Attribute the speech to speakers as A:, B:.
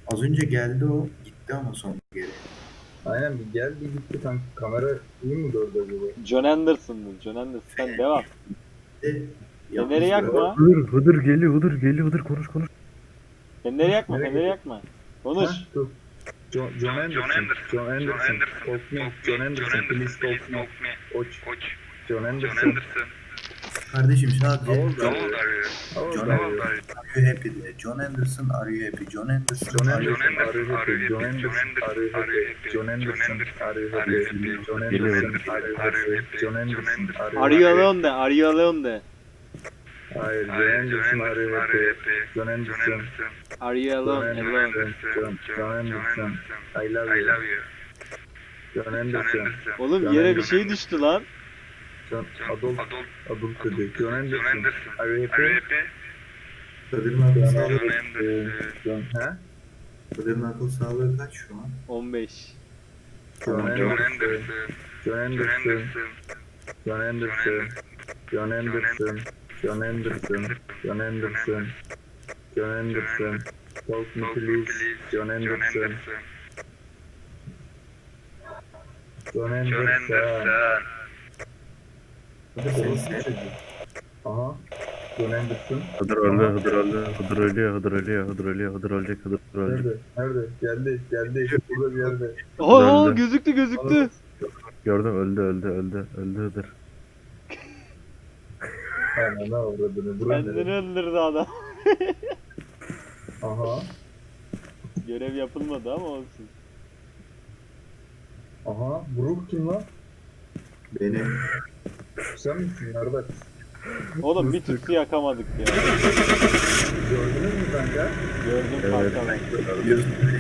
A: Az önce geldi o. Gitti ama sonra geri.
B: Aynen bir gel bir gitti kanka. Kamera iyi mi gördü acaba?
C: John Anderson'dır. John Anderson. Sen devam.
A: De
C: Feneri
A: yapmış gördüm.
C: yakma.
D: Hıdır geliyor, Hıdır konuş.
C: Feneri yakma.
B: Nereye
C: Feneri
B: gidiyor?
C: yakma. Konuş.
B: Ha dur. John Anderson. John Anderson. Talk me. John Anderson. Please talk me. Koç. John Anderson.
A: Kardeşim sadece
B: How old
A: John,
B: are you? How old
A: John
B: are you?
A: are you happy de. John Anderson are you happy? John Anderson
B: John
A: are you
B: Anderson, are you happy? John Anderson, are you happy? John Anderson, are you happy? John Anderson, are you happy? John Anderson, are you
C: Are you
B: happy?
C: alone de. Are you alone de.
B: Hayır, John Anderson, are you happy? John Anderson,
C: Are you
B: John
C: alone? Alone.
B: Anderson, John Anderson, I love you. John Anderson,
C: Oğlum yere bir şey düştü lan.
B: John Adult dedi. John Anderson, are you happy?
A: Kadir'in akıl
B: John
A: sağlığı,
B: Anderson, John, ha?
A: Kadir'in akıl sağlığı kaç şu an?
C: 15.
B: John Anderson, John Anderson, John Anderson, John Anderson, John Anderson, John Anderson, John Anderson, talk me please, John Anderson, John Anderson.
A: Seni sev.
B: Aha, John Anderson.
D: Hıdır ölecek.
B: Nerede? Geldi. Burada bir yerde.
C: Oo
D: Öldü.
C: gözüktü.
D: Gördüm, öldü Hıdır.
B: Aynen ne avradını. Burada
C: Kendini
B: nerede?
C: öldürdü adam.
B: Aha,
C: Görev yapılmadı ama olsun.
B: aha. Brook kim lan?
A: Benim.
B: Sen misin? Nerede?
C: Oğlum bir tütsü yakamadık ya.
B: Gördünüz mü kanka?
C: Gördüm
D: Evet.
C: kanka.
A: Gözümle